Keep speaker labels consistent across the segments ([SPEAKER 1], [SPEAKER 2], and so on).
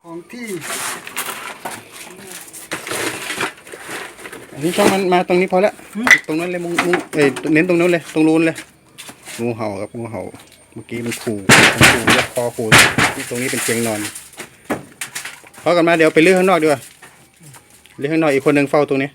[SPEAKER 1] ของที่
[SPEAKER 2] อันนี้ช่องมันมาตรงนี้พอแล้วตรงนั้นเลยมุงเน้นตรงนั้นเลยตรงรูนเลยงูเห่าครับงูเห่าเมื่อกี้มันขู่เรียกคอขู่ที่ตรงนี้เป็นเตียงนอนพอกันมาเดี๋ยวไปลื้อข้างนอกดีกว่าลื้อข้างนอกอีกคนหนึ่งเฝ้าตรงนี้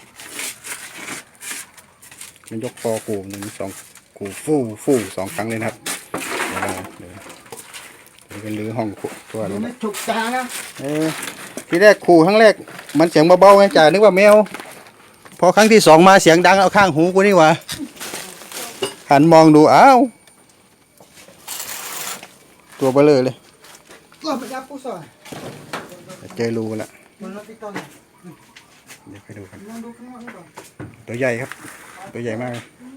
[SPEAKER 2] มันยกคอขู่หนึ่งสองขู่ฟู่สองครั้งเลยนะครับเดี๋ยวเป็นลื้อห้องตัวเลย
[SPEAKER 1] ไม่ถูกตานะ
[SPEAKER 2] ที่แรกขู่ครั้งแรกมันเสียงเบาๆไงจ่านึกว่าแมวพอครั้งที่สองมาเสียงดังเอาข้างหูกูนี่หว่าหันมองดูอ้าวตัวเบลอเลย
[SPEAKER 1] ก็ไปยับผู้สอน
[SPEAKER 2] เจอรูแล้ว
[SPEAKER 1] มันรับที่ต้น
[SPEAKER 2] เดี๋ยวไปดูกัน
[SPEAKER 1] ลองดูข้างนอกก่อน
[SPEAKER 2] ตัวใหญ่ครับตัวใหญ่มากเลย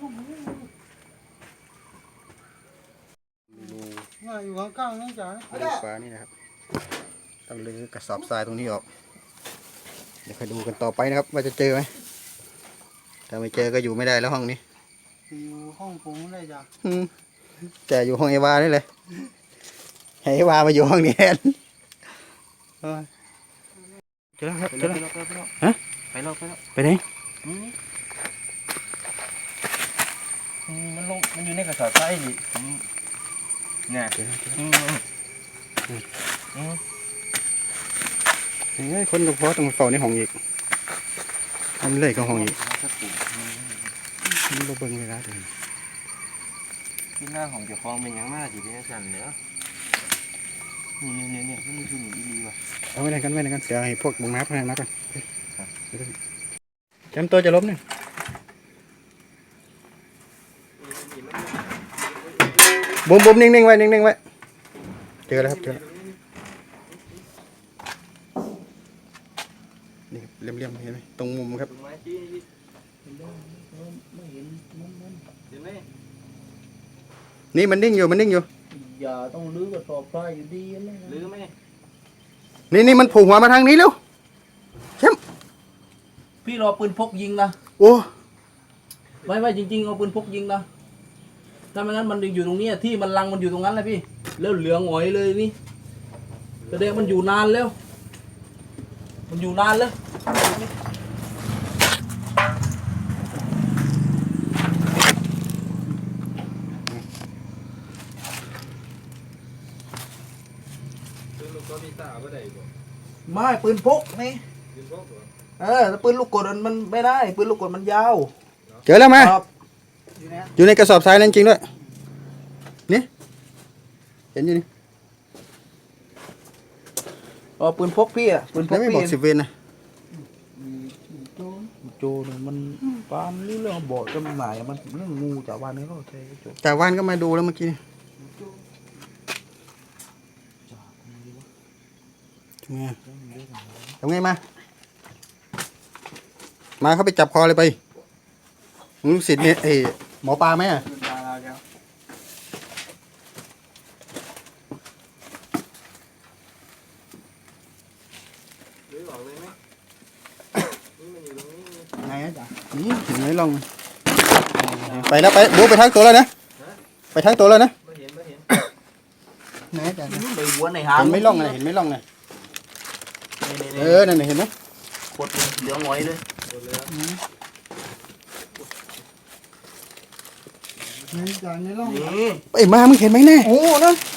[SPEAKER 1] อยู่ข้างๆนี่จ๋า
[SPEAKER 2] รูฟ้านี่นะครับต้องลื้อกระสอบทรายตรงนี้ออกเดี๋ยวไปดูกันต่อไปนะครับว่าจะเจอไหมถ้าไม่เจอก็อยู่ไม่ได้แล้วห้องนี้
[SPEAKER 1] อยู่ห้องผมได้จ้ะ
[SPEAKER 2] แต่อยู่ห้องเอวานี่เลยให้เอวามาอยู่ห้องนี้แทนเจอแล้วครับเจอแล้วฮะไปแล้วไปไหน
[SPEAKER 3] มันอยู่ในกระสอบทรายดิเนี่ย
[SPEAKER 2] เฮ้ยคนกับพ่อต้องเฝ้าในห้องอีกทำเลยก็ห้องอีกมันบ่เบิ่งเวลาเดิน
[SPEAKER 3] ที่หน้าของเจ้าของเป็นยังมากจีเป็นสั่นเนาะเนี่ยมันคือหนีดีว่ะ
[SPEAKER 2] เอาไว้ไหนกันเดี๋ยวให้พวกบุงน้ำพนันมากันจำตัวจะล้มเนี่ยบุ้มนิ่งไว้เจอแล้วครับเจอแล้วนี่เลี่ยมเห็นไหมตรงมุมครับนี่มันนิ่งอยู่
[SPEAKER 3] อย่าต้องลื้อกระสอบทรายอยู่ดีเลยลื้อไหม
[SPEAKER 2] นี่มันผูกหัวมาทางนี้เร็วเข้ม
[SPEAKER 3] พี่รอปืนพกยิงนะ
[SPEAKER 2] โอ้
[SPEAKER 3] ไม่จริงๆเอาปืนพกยิงนะถ้าไม่งั้นมันอยู่ตรงนี้ที่มันลังมันอยู่ตรงนั้นเลยพี่แล้วเหลืองหงอยเลยนี่แสดงมันอยู่นานแล้วมันอยู่นานแล้วไม่ปืนพกนี่แต่ปืนลูกกดมันไม่ได้ปืนลูกกดมันยาว
[SPEAKER 2] เจอแล้วมา
[SPEAKER 3] ครับ
[SPEAKER 2] อยู่ในกระสอบทรายนั่นจริงด้วยนี่เห็นอยู่นี่
[SPEAKER 3] ปืนพกพี่อ่ะปืนพ
[SPEAKER 2] แล้ว
[SPEAKER 3] ก
[SPEAKER 2] ไม่
[SPEAKER 3] พี่
[SPEAKER 2] บอก10 เวนนะ
[SPEAKER 3] โจเนี่ยมันปามนี่เรื่องบ่อจำหน่ายมันเรื่องงูจากวันนี้ก็ใช่โจ
[SPEAKER 2] แต่ว่านก็มาดูแล้วเมื่อกี้ทำไงมาเขาไปจับคอเลยไปมึงลูกศิษย์เนี่ยหมอปลาไหมอ่ะไงจ๊ะนี่เห็นไหมลองไปแล้วไปบูไปทั้งตัวแล้วนะไปทั้งตัวแล้วนะไหนจ๊ะ
[SPEAKER 3] ไปหัวในหาง
[SPEAKER 2] เห็นไหมล่องไงนั่นเห็นไหม
[SPEAKER 3] กดเหลืองหงอยเลย
[SPEAKER 1] นี่จ๋าในร่อง
[SPEAKER 3] นี่
[SPEAKER 2] ไอ้มามึงเห็นไหมแน่โอ้นั่น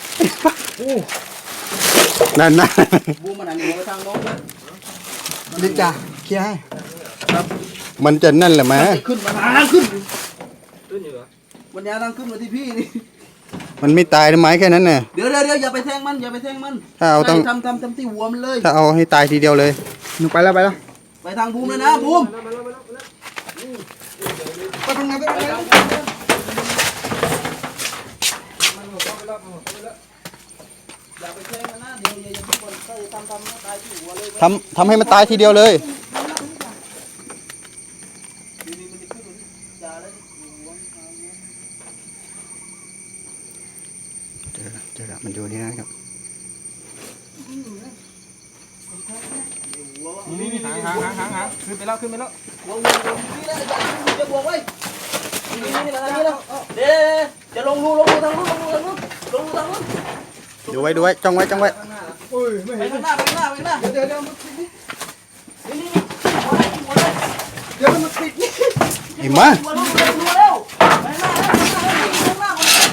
[SPEAKER 2] นั่น
[SPEAKER 3] บูมันอันนี้ไปทางโน้นเลย
[SPEAKER 1] นี่จ๋าเคลียร์ให้
[SPEAKER 2] มันจะนั่นแหละมา
[SPEAKER 3] ขึ้นมาทางขึ้นอยู่เหรอวันนี้ทางขึ้นมาที่พี่นี่
[SPEAKER 2] มันไม่ตายนะไม้แค่นั้นน่ะ
[SPEAKER 3] เดี๋ยวอย่าไปแทงมัน
[SPEAKER 2] ถ้าเอาต้อง
[SPEAKER 3] ทำที่หัวมันเลย
[SPEAKER 2] ถ้าเอาให้ตายทีเดียวเลยหนูไปแล้ว
[SPEAKER 3] ไปทางบูมเลยนะบูม
[SPEAKER 1] ไปตรงไหนไปตรงไหน
[SPEAKER 3] อย่าไปแทงมันนะเดี๋ยวอย่าไปคนก็ทำตายที่หัวเลย
[SPEAKER 2] ทำให้มันตายทีเดียวเลยเจอแล้วมันอยู่นี่นะครับ
[SPEAKER 3] นี่หางขึ้นไปแล้ววงนี่เลยจะบวกไว้นี่มาทางนี้แล้วเดี๋ยวจะลงรูทางนู้น
[SPEAKER 2] ดูไว้จ้องไว้
[SPEAKER 3] ข้างหน้า
[SPEAKER 1] โอ้ยไม่
[SPEAKER 3] ไป
[SPEAKER 1] เห็น
[SPEAKER 3] ข้างหน้าไปข้างหน้าไปข้างหน้า
[SPEAKER 1] เดี๋ยวมันติดนี่
[SPEAKER 3] นี่หัวเลยหัวเลย
[SPEAKER 1] เดี๋ยวมันติดนี่
[SPEAKER 2] ไอ้มา
[SPEAKER 3] หัวเร็วไปข้างหน้าข้างหน้า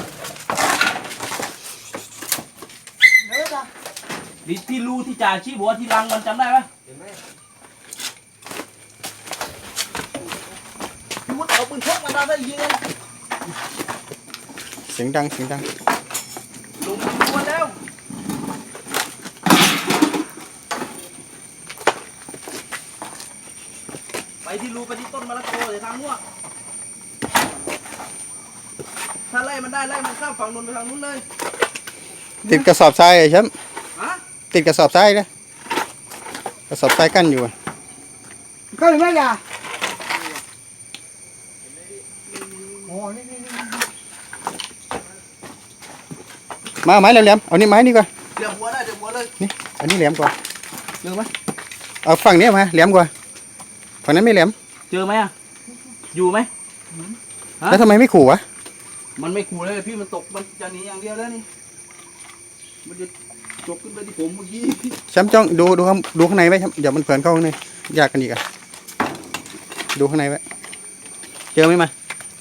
[SPEAKER 1] เดี๋ยวจ้ะ
[SPEAKER 3] นี่ที่รูที่จ่าชี้หัวที่รังมันจำได้ไหมพี่วุฒิเอาปืนพกมาได้ยิงเลย
[SPEAKER 2] เสียงดังเสียงดัง
[SPEAKER 3] ลงตัวแล้วไปที่รูไปที่ต้นมะละกอเดี๋ยวทางมั่วถ้าไล่มันได้ไล่มันข้ามฝั่งนู้นไปทางนู้นเลย
[SPEAKER 2] ติดกระสอบทรายไอ้แชมป์
[SPEAKER 3] ฮะ
[SPEAKER 2] ติดกระสอบทรายนะกระสอบทรายกั้นอยู่อะ
[SPEAKER 1] ก็เลยไม่จ้ะโอ้นี่
[SPEAKER 2] มาไม้แหลมๆเอานี่ไม้นี่กว่า
[SPEAKER 3] เดี๋ยวหัวได้เดี๋ยวหัวเลย
[SPEAKER 2] นี่อันนี้แหลมกว่า
[SPEAKER 3] เจอไหม
[SPEAKER 2] เอาฝั่งนี้มาแหลมกว่าฝั่งนั้นไม่แหลม
[SPEAKER 3] เจอไหมอ่ะอยู่ไหม ฮะ
[SPEAKER 2] แล้วทำไมไม่ขู่วะ
[SPEAKER 3] มันไม่ขู่เลยพี่มันตกมันจะหนีอย่างเดียวแล้วนี่มันจะจกขึ้นไปที่ผมเมื่อกี้
[SPEAKER 2] แชมป์จ้องดูข้างในไว้แชมป์อย่ามันเผื่อนเข้าข้างในยากกันอีกอะดูข้างในไว้เจอไหมมา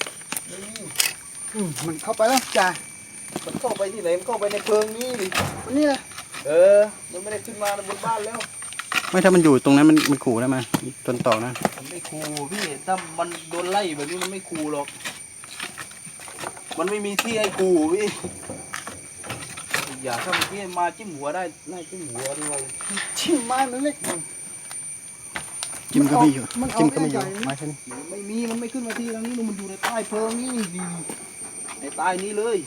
[SPEAKER 1] มันเข้าไปแล้วจ้ะ
[SPEAKER 3] มันเข้าไปที่ไหนมันเข้าไปในเพิงนี่ดิ
[SPEAKER 1] วันนี้นะ
[SPEAKER 3] มันไม่ได้ขึ้นมาบนบ้านแล้ว
[SPEAKER 2] ไม่ถ้ามันอยู่ตรงนั้นมันขู่แล้วมาต้นต่อนะ
[SPEAKER 3] มันไม่ขู่พี่ถ้ามันโดนไล่แบบนี้มันไม่ขู่หรอก มันไม่มีที่ให้ขู่พี่อย่าถ้าเมื่อกี้มาจิ้มหัวได้ไล่จิ้มหัวด้วย
[SPEAKER 1] ชิ้นไม้มันเล็ก
[SPEAKER 2] จิ้มก็ไม่อยู่
[SPEAKER 1] มันเอา
[SPEAKER 2] จิ้มก็ไม่อยู่
[SPEAKER 1] ไม่ใหญ่
[SPEAKER 2] ไม้แค่นี้
[SPEAKER 3] ไม่มีมันไม่ขึ้นมาที่ตรงนี้มันอยู่ในใต้เพิงนี่ในใต้นี้เลย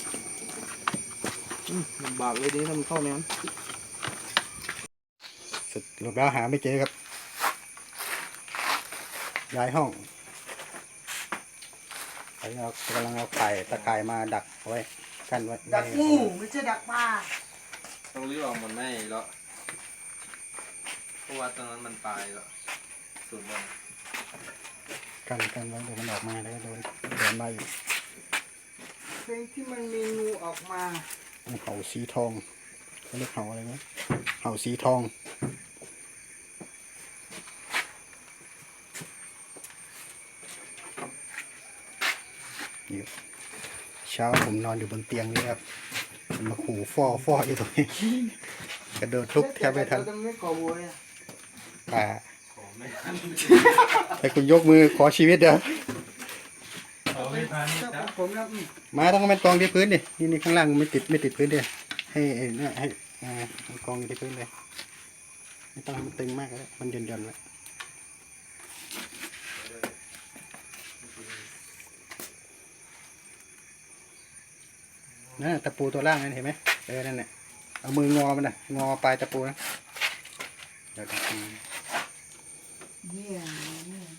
[SPEAKER 3] ลำบากเลยดิถ้ามันเข้าในนั้น
[SPEAKER 2] สุดหลบแล้วหาไม่เจอครับย้ายห้องตอนนี้เรากำลังเอาตะข่ายมาดักเอาไว้กั้นไว้
[SPEAKER 1] ดักงูไม่ใช่ดักปลา
[SPEAKER 4] ต้องรีบออกมันไม่แล้วเพราะว่าตรงนั้นมันตายแล้วสุดเลย
[SPEAKER 2] กันไว้เดี๋ยวมันออกมาแล้วก็โดนมาอยู่
[SPEAKER 1] เพลงที่มันมีงูออกมา
[SPEAKER 2] เห่าสีทองเขาเรียกเห่าอะไรนะเห่าสีทองนี่เช้าผมนอนอยู่บนเตียงนี่ครับมันมาขู่ฟ่ออยู่ตรงนี้กระโดดลุกแทบไม่ทัน
[SPEAKER 1] เราไม่ก่อบัวเลย
[SPEAKER 2] อ่าให้คุณยกมือขอชีวิตเด้อ
[SPEAKER 1] ผมนะ
[SPEAKER 2] มาต้องมันกองที่พื้นดินี่ข้างล่างมันไม่ติดพื้นดิให้เนี่ยให้มันกองอยู่ที่พื้นเลยไม่ต้องให้มันตึงมากก็ได้มันหย่อนๆไว้นั่นตะปูตัวล่างนั่นเห็นไหมนั่นแหละเอามืองอมันนะงอปลายตะปูนะเดี๋ยว
[SPEAKER 1] เนี่ย